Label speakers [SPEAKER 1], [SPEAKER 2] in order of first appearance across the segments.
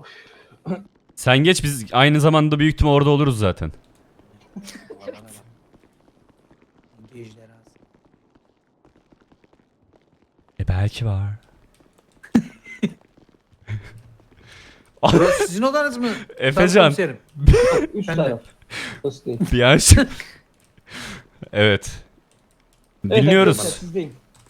[SPEAKER 1] Sen geç, biz aynı zamanda büyük ihtimal orada oluruz zaten. Belki var.
[SPEAKER 2] Burası sizin odanız mı?
[SPEAKER 1] Efecan.
[SPEAKER 2] Komiserim.
[SPEAKER 3] Üst
[SPEAKER 2] Ben de.
[SPEAKER 3] taraf. Burası değil.
[SPEAKER 1] Bir an şey- Evet.
[SPEAKER 3] Evet,
[SPEAKER 1] Dinliyoruz.
[SPEAKER 3] arkadaşlar, sizdeyim.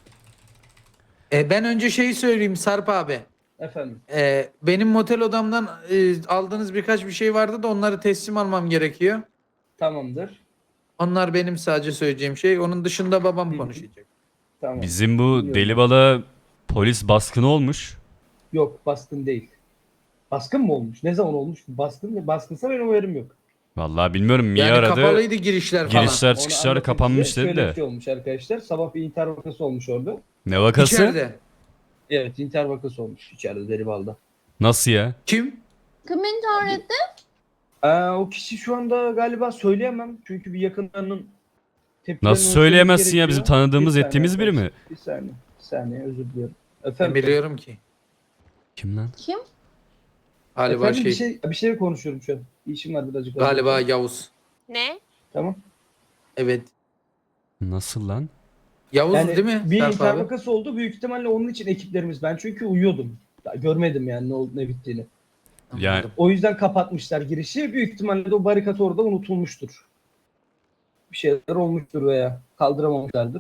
[SPEAKER 2] Ben önce şeyi söyleyeyim Sarp abi.
[SPEAKER 3] Efendim.
[SPEAKER 2] Benim motel odamdan aldığınız birkaç bir şey vardı da onları teslim almam gerekiyor.
[SPEAKER 3] Tamamdır.
[SPEAKER 2] Onlar benim sadece söyleyeceğim şey. Onun dışında babam
[SPEAKER 3] Hı.
[SPEAKER 2] konuşacak.
[SPEAKER 3] Tamam.
[SPEAKER 1] Bizim bu
[SPEAKER 3] Dinliyorum.
[SPEAKER 1] Delibalı'ya polis baskını olmuş.
[SPEAKER 3] Yok, baskın değil. Baskın mı olmuş? Ne zaman olmuş? Baskınsa benim haberim yok.
[SPEAKER 1] Vallahi bilmiyorum, Mia
[SPEAKER 2] Yani
[SPEAKER 1] aradı.
[SPEAKER 2] kapalıydı girişler falan.
[SPEAKER 1] Girişler
[SPEAKER 3] Onu
[SPEAKER 1] çıkışlar
[SPEAKER 3] anlatayım
[SPEAKER 1] kapanmış
[SPEAKER 3] size.
[SPEAKER 1] dedi
[SPEAKER 3] Şöyle bir
[SPEAKER 1] de.
[SPEAKER 3] şey olmuş arkadaşlar. Sabah bir intihar vakası olmuş orada.
[SPEAKER 1] Ne vakası?
[SPEAKER 2] İçeride.
[SPEAKER 3] Evet, intihar vakası olmuş içeride Deribal'da.
[SPEAKER 1] Nasıl ya?
[SPEAKER 2] Kim?
[SPEAKER 4] Kim intihar etti?
[SPEAKER 3] O kişi şu anda galiba söyleyemem. Çünkü bir yakınlarının tepkilerini
[SPEAKER 1] Nasıl
[SPEAKER 3] ölçmemiz
[SPEAKER 1] söyleyemezsin ya, bizim
[SPEAKER 3] gerekiyor.
[SPEAKER 1] tanıdığımız
[SPEAKER 3] Bir saniye
[SPEAKER 1] ettiğimiz biri mi?
[SPEAKER 3] arkadaşlar, Bir saniye. Bir saniye, özür diliyorum.
[SPEAKER 2] Ben
[SPEAKER 3] Efendim.
[SPEAKER 2] biliyorum ki.
[SPEAKER 1] Kim lan?
[SPEAKER 4] Kim?
[SPEAKER 2] Galiba
[SPEAKER 3] Efendim,
[SPEAKER 2] şey.
[SPEAKER 3] bir şey konuşuyorum şu an. İşim var birazcık.
[SPEAKER 2] Galiba Yavuz.
[SPEAKER 4] Ne?
[SPEAKER 3] Tamam.
[SPEAKER 2] Evet.
[SPEAKER 1] Nasıl lan?
[SPEAKER 2] Yavuz
[SPEAKER 3] Yani
[SPEAKER 2] değil mi?
[SPEAKER 3] bir
[SPEAKER 2] Sarp
[SPEAKER 3] intihar
[SPEAKER 2] abi?
[SPEAKER 3] vakası oldu. Büyük ihtimalle onun için ekiplerimiz. Ben çünkü uyuyordum. Ya, görmedim yani ne bittiğini.
[SPEAKER 1] Yani
[SPEAKER 2] Anladım.
[SPEAKER 3] O yüzden kapatmışlar girişi. Büyük ihtimalle de o barikat orada unutulmuştur. Bir şeyler olmuştur veya kaldıramamışlardır.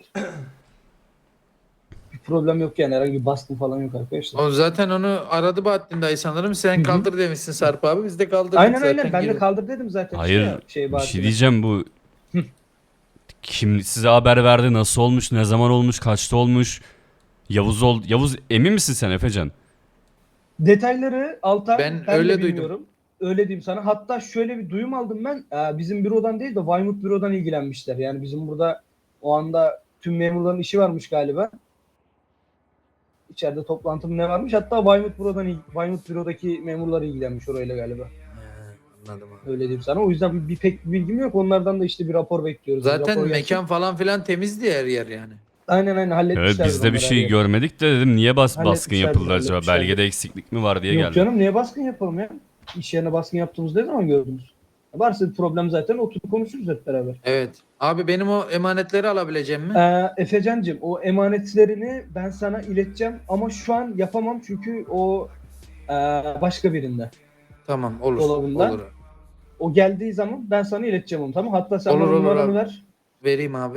[SPEAKER 3] Bir problem yok yani, herhangi bir baskın falan yok arkadaşlar.
[SPEAKER 2] O zaten onu aradı Bahattin dayı sanırım. Sen
[SPEAKER 3] Hı hı.
[SPEAKER 2] kaldır demişsin Sarp abi. Biz de kaldırdık
[SPEAKER 3] Aynen
[SPEAKER 2] zaten.
[SPEAKER 3] aynen, ben de
[SPEAKER 2] geri.
[SPEAKER 3] kaldır dedim zaten.
[SPEAKER 1] hayır,
[SPEAKER 3] işte ya,
[SPEAKER 1] bir şey
[SPEAKER 3] Bahattin'e.
[SPEAKER 1] diyeceğim, bu kim size haber verdi, nasıl olmuş, ne zaman olmuş, kaçta olmuş? Yavuz emin misin sen Efecan?
[SPEAKER 3] Detayları Altan
[SPEAKER 2] Ben
[SPEAKER 3] ben
[SPEAKER 2] öyle
[SPEAKER 3] de
[SPEAKER 2] duydum.
[SPEAKER 3] bilmiyorum. Öyle diyeyim sana. Hatta şöyle bir duyum aldım ben. Bizim bürodan değil de Weymouth bürodan ilgilenmişler. Yani bizim burada o anda tüm memurların işi varmış galiba. İçeride toplantım ne varmış? Hatta Weymouth bürodaki memurlar ilgilenmiş orayla galiba.
[SPEAKER 2] Anladım abi.
[SPEAKER 3] Öyle diyeyim sana. O yüzden pek bilgim yok. Onlardan da işte bir rapor bekliyoruz.
[SPEAKER 2] Zaten
[SPEAKER 3] Rapor gelsin.
[SPEAKER 2] mekan falan filan temizdi her yer yani.
[SPEAKER 3] Aynen halletmişler.
[SPEAKER 1] Evet, biz de bir şey görmedik de dedim, niye baskın
[SPEAKER 3] Halletmişler,
[SPEAKER 1] yapıldı acaba?
[SPEAKER 3] halletmişler.
[SPEAKER 1] Belgede eksiklik mi var diye
[SPEAKER 3] Yok
[SPEAKER 1] geldim.
[SPEAKER 3] canım, niye baskın yapalım ya? İş yerine baskın yaptığımızı ne zaman gördünüz? Varsa bir problem zaten oturup konuşuruz hep beraber.
[SPEAKER 2] Evet. Abi benim o emanetleri alabileceğim mi?
[SPEAKER 3] Efecan'cığım, o emanetlerini ben sana ileteceğim ama şu an yapamam çünkü o başka birinde.
[SPEAKER 2] Tamam olur.
[SPEAKER 3] Dolabından.
[SPEAKER 2] Olur.
[SPEAKER 3] O geldiği zaman ben sana ileteceğim onu, tamam? Hatta sen
[SPEAKER 2] Olur,
[SPEAKER 3] bana
[SPEAKER 2] olur
[SPEAKER 3] numaranı
[SPEAKER 2] abi.
[SPEAKER 3] ver.
[SPEAKER 2] Vereyim abi.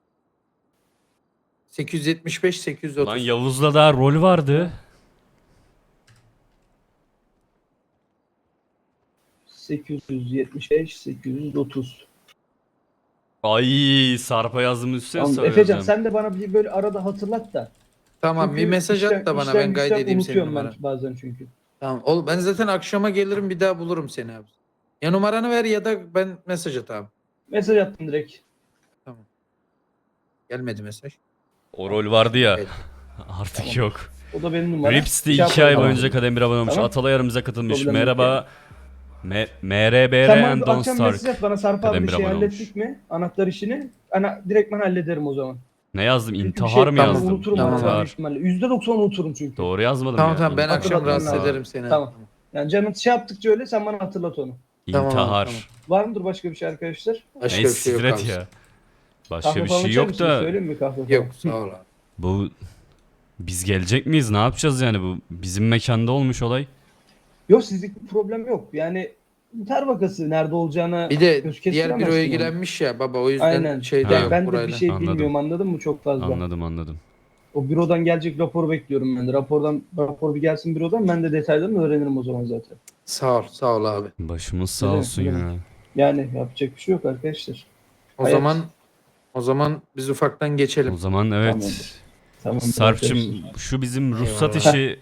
[SPEAKER 2] 875 830.
[SPEAKER 1] Lan Yavuz'la daha rol vardı.
[SPEAKER 3] 875 830.
[SPEAKER 1] Ay, Sarp'a yazdım üstüne
[SPEAKER 3] Tamam,
[SPEAKER 1] söyleyeceğim.
[SPEAKER 3] Efecan sen de bana bir böyle arada hatırlat da.
[SPEAKER 2] Tamam
[SPEAKER 3] Çünkü
[SPEAKER 2] bir mesaj at da bana,
[SPEAKER 3] işten
[SPEAKER 2] ben
[SPEAKER 3] güçten
[SPEAKER 2] kaydedeyim senin
[SPEAKER 3] unutuyorum
[SPEAKER 2] numaranı.
[SPEAKER 3] ben bazen çünkü.
[SPEAKER 2] Tamam. Ben zaten akşama gelirim, bir daha bulurum seni abi. Ya numaranı ver ya da ben mesaj at abi.
[SPEAKER 3] Mesaj attım direkt.
[SPEAKER 2] Tamam. Gelmedi mesaj.
[SPEAKER 1] O rol vardı ya.
[SPEAKER 2] Evet.
[SPEAKER 1] Artık
[SPEAKER 3] Tamam.
[SPEAKER 1] yok.
[SPEAKER 3] O da benim numaram.
[SPEAKER 1] Rips'te
[SPEAKER 3] Şey
[SPEAKER 1] 2 ay
[SPEAKER 3] yapalım.
[SPEAKER 1] boyunca kademir abone olmuş.
[SPEAKER 3] Tamam.
[SPEAKER 1] Atalay aramıza katılmış.
[SPEAKER 3] Problem yok
[SPEAKER 1] Merhaba. MRBR
[SPEAKER 3] Sen bana
[SPEAKER 1] and
[SPEAKER 3] bir
[SPEAKER 1] Don't
[SPEAKER 3] akşam
[SPEAKER 1] Stark.
[SPEAKER 3] mesaj at bana, Sarp abi
[SPEAKER 1] Kadem
[SPEAKER 3] bir
[SPEAKER 1] bir
[SPEAKER 3] şey
[SPEAKER 1] abone
[SPEAKER 3] hallettik mi? Anahtar işini. Direkt ben hallederim o zaman.
[SPEAKER 1] Ne yazdım?
[SPEAKER 3] Çünkü bir
[SPEAKER 1] İntihar mı
[SPEAKER 2] tamam,
[SPEAKER 1] yazdım?
[SPEAKER 3] Unuturum
[SPEAKER 2] Tamam
[SPEAKER 3] ben
[SPEAKER 2] abi.
[SPEAKER 3] büyük ihtimalle. %90 unuturum çünkü.
[SPEAKER 1] Doğru yazmadım
[SPEAKER 2] Tamam
[SPEAKER 1] ya.
[SPEAKER 2] tamam, ben
[SPEAKER 1] İntihar.
[SPEAKER 2] akşam
[SPEAKER 3] Hatırlatman
[SPEAKER 2] rahatsız
[SPEAKER 3] lazım.
[SPEAKER 2] ederim seni.
[SPEAKER 3] Tamam. Yani canın şey yaptıkça öyle sen bana hatırlat onu.
[SPEAKER 2] Tamam abi,
[SPEAKER 1] İntihar.
[SPEAKER 2] tamam.
[SPEAKER 3] Var mıdır başka bir şey arkadaşlar?
[SPEAKER 2] Başka
[SPEAKER 1] Neyse,
[SPEAKER 2] bir şey yok
[SPEAKER 1] siktir
[SPEAKER 2] abi.
[SPEAKER 1] et ya. Başka
[SPEAKER 3] Kahve
[SPEAKER 1] bir
[SPEAKER 3] falan
[SPEAKER 1] şey
[SPEAKER 3] içer
[SPEAKER 1] yok
[SPEAKER 3] misiniz?
[SPEAKER 1] da
[SPEAKER 3] Söyleyeyim mi kahve falan?
[SPEAKER 2] Yok sağ ol abi.
[SPEAKER 1] bu biz gelecek miyiz? Ne yapacağız yani, bu bizim mekanda olmuş olay.
[SPEAKER 3] Yok, sizlik bir problem yok. Yani intihar vakası nerede olacağına
[SPEAKER 2] Bir de
[SPEAKER 3] göz
[SPEAKER 2] diğer
[SPEAKER 3] kestiremezsin
[SPEAKER 2] büro
[SPEAKER 3] yani.
[SPEAKER 2] ilgilenmiş ya baba, o yüzden
[SPEAKER 3] Aynen.
[SPEAKER 2] şeyde
[SPEAKER 1] Ha.
[SPEAKER 2] yok
[SPEAKER 3] Ben de
[SPEAKER 2] burayla.
[SPEAKER 3] bir şey
[SPEAKER 1] Anladım.
[SPEAKER 3] bilmiyorum, anladın mı, çok fazla.
[SPEAKER 1] Anladım.
[SPEAKER 3] O bürodan gelecek raporu bekliyorum ben de. Rapor bir gelsin bürodan, ben de detaylarını öğrenirim o zaman zaten.
[SPEAKER 2] Sağ ol abi.
[SPEAKER 1] Başımız sağ
[SPEAKER 3] Ne demek,
[SPEAKER 1] olsun
[SPEAKER 3] ne
[SPEAKER 1] ya.
[SPEAKER 3] demek. Yani yapacak bir şey yok arkadaşlar.
[SPEAKER 2] O
[SPEAKER 3] Hayat.
[SPEAKER 2] zaman biz ufaktan geçelim.
[SPEAKER 1] O zaman evet.
[SPEAKER 3] Tamamdır. Tamam.
[SPEAKER 1] Sarp'cığım, şu bizim ruhsat
[SPEAKER 2] Eyvallah.
[SPEAKER 1] işi,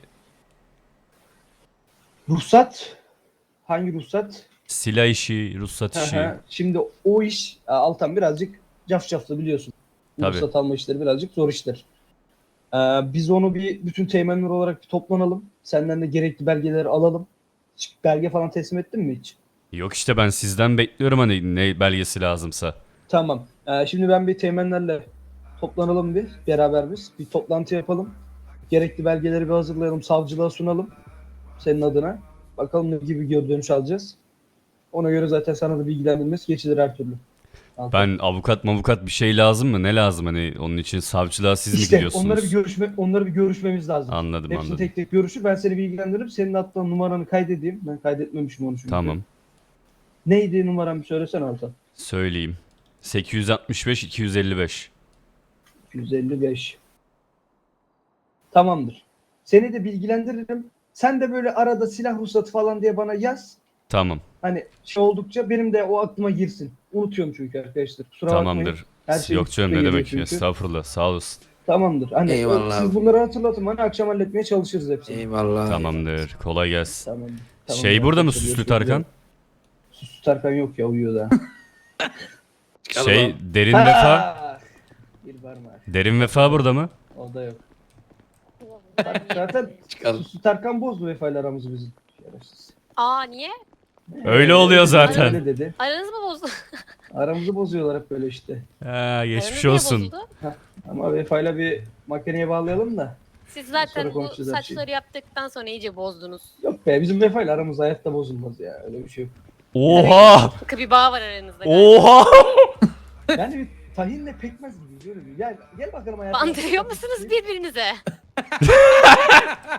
[SPEAKER 3] Ruhsat. Hangi ruhsat?
[SPEAKER 1] silah işi, ruhsat
[SPEAKER 3] Hı
[SPEAKER 1] işi.
[SPEAKER 3] hı. Şimdi o iş Altan birazcık cafcaflı biliyorsun.
[SPEAKER 1] Tabii.
[SPEAKER 3] Ruhsat alma işleri birazcık zor işler. Biz onu bütün teğmenler olarak bir toplanalım. Senden de gerekli belgeleri alalım. Hiç belge falan teslim ettin mi hiç?
[SPEAKER 1] Yok işte, ben sizden bekliyorum hani ne belgesi lazımsa.
[SPEAKER 3] Tamam. Şimdi ben bir teğmenlerle toplanalım beraber biz. Bir toplantı yapalım. Gerekli belgeleri bir hazırlayalım. Savcılığa sunalım. Senin adına. Bakalım ne gibi geri dönüş alacağız. Ona göre zaten sana da bilgilendirmesi geçilir her türlü.
[SPEAKER 1] Ben avukat bir şey lazım mı? Ne lazım hani onun için savcılığa siz mi
[SPEAKER 3] İşte
[SPEAKER 1] gidiyorsunuz?
[SPEAKER 3] onları bir görüşmemiz lazım.
[SPEAKER 1] Anladım
[SPEAKER 3] Hepsini
[SPEAKER 1] anladım.
[SPEAKER 3] tek tek görüşür. Ben seni bilgilendiririm. Senin hatta numaranı kaydedeyim. Ben kaydetmemişim onu çünkü.
[SPEAKER 1] Tamam.
[SPEAKER 3] Neydi numaran bir söylesene Altan.
[SPEAKER 1] Söyleyeyim. 865 255.
[SPEAKER 3] 155. Tamamdır. Seni de bilgilendiririm. Sen de böyle arada silah ruhsatı falan diye bana yaz.
[SPEAKER 1] Tamam.
[SPEAKER 3] Hani şey oldukça benim de o aklıma girsin. Unutuyorum çünkü arkadaşlar. Kusura bakmayın.
[SPEAKER 1] Tamamdır.
[SPEAKER 3] Her şey
[SPEAKER 1] Yok canım
[SPEAKER 3] üstüme
[SPEAKER 1] ne
[SPEAKER 3] geliyor
[SPEAKER 1] demek.
[SPEAKER 3] çünkü.
[SPEAKER 1] Estağfurullah. Sağ olasın.
[SPEAKER 3] Tamamdır. Hani
[SPEAKER 2] Eyvallah
[SPEAKER 3] siz
[SPEAKER 2] abi.
[SPEAKER 3] bunları hatırlatın bana, akşam halletmeye çalışırız hepsini.
[SPEAKER 2] Eyvallah.
[SPEAKER 1] Tamamdır. Kolay gelsin.
[SPEAKER 3] Tamam.
[SPEAKER 1] Şey burada mı
[SPEAKER 3] arkadaşlar,
[SPEAKER 1] Süslü
[SPEAKER 3] görüşmek
[SPEAKER 1] Tarkan?
[SPEAKER 3] üzere. Süslü Tarkan yok ya, uyuyor da.
[SPEAKER 1] Şey Derin Vefa.
[SPEAKER 3] Ha! Bir var mı?
[SPEAKER 1] Derin Vefa burada mı?
[SPEAKER 3] O da yok. Zaten
[SPEAKER 2] Çıkalım.
[SPEAKER 3] Süslü Tarkan bozdu vefayla aramızı bizim. Şerefsiz.
[SPEAKER 4] Aa niye?
[SPEAKER 1] Öyle oluyor zaten.
[SPEAKER 3] Öyle dedi.
[SPEAKER 4] Aranız mı bozdu?
[SPEAKER 3] Aramızı bozuyorlar hep böyle işte.
[SPEAKER 1] Ha,
[SPEAKER 4] Aranız
[SPEAKER 1] geçmiş
[SPEAKER 4] niye
[SPEAKER 1] olsun.
[SPEAKER 4] bozuldu?
[SPEAKER 3] Ama vefayla bir makineye bağlayalım da.
[SPEAKER 4] Siz
[SPEAKER 3] Sonra
[SPEAKER 4] zaten bu
[SPEAKER 3] konuşacağız her şeyi.
[SPEAKER 4] saçları yaptıktan sonra iyice bozdunuz.
[SPEAKER 3] Yok be, bizim vefayla aramız hayatta bozulmaz ya. Öyle bir şey yok.
[SPEAKER 1] Oha!
[SPEAKER 4] Sıkı bir bağ var aranızda. galiba.
[SPEAKER 1] Oha!
[SPEAKER 3] Yani bir tahinle pekmez gibi böyle bir. Gel bakalım hayatım.
[SPEAKER 4] Bandırıyor musunuz birbirinize?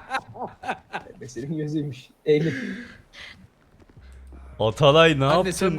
[SPEAKER 3] Senin gözüymüş. Eğilip.
[SPEAKER 1] Atalay ne
[SPEAKER 2] Anne
[SPEAKER 1] yaptın?
[SPEAKER 2] sen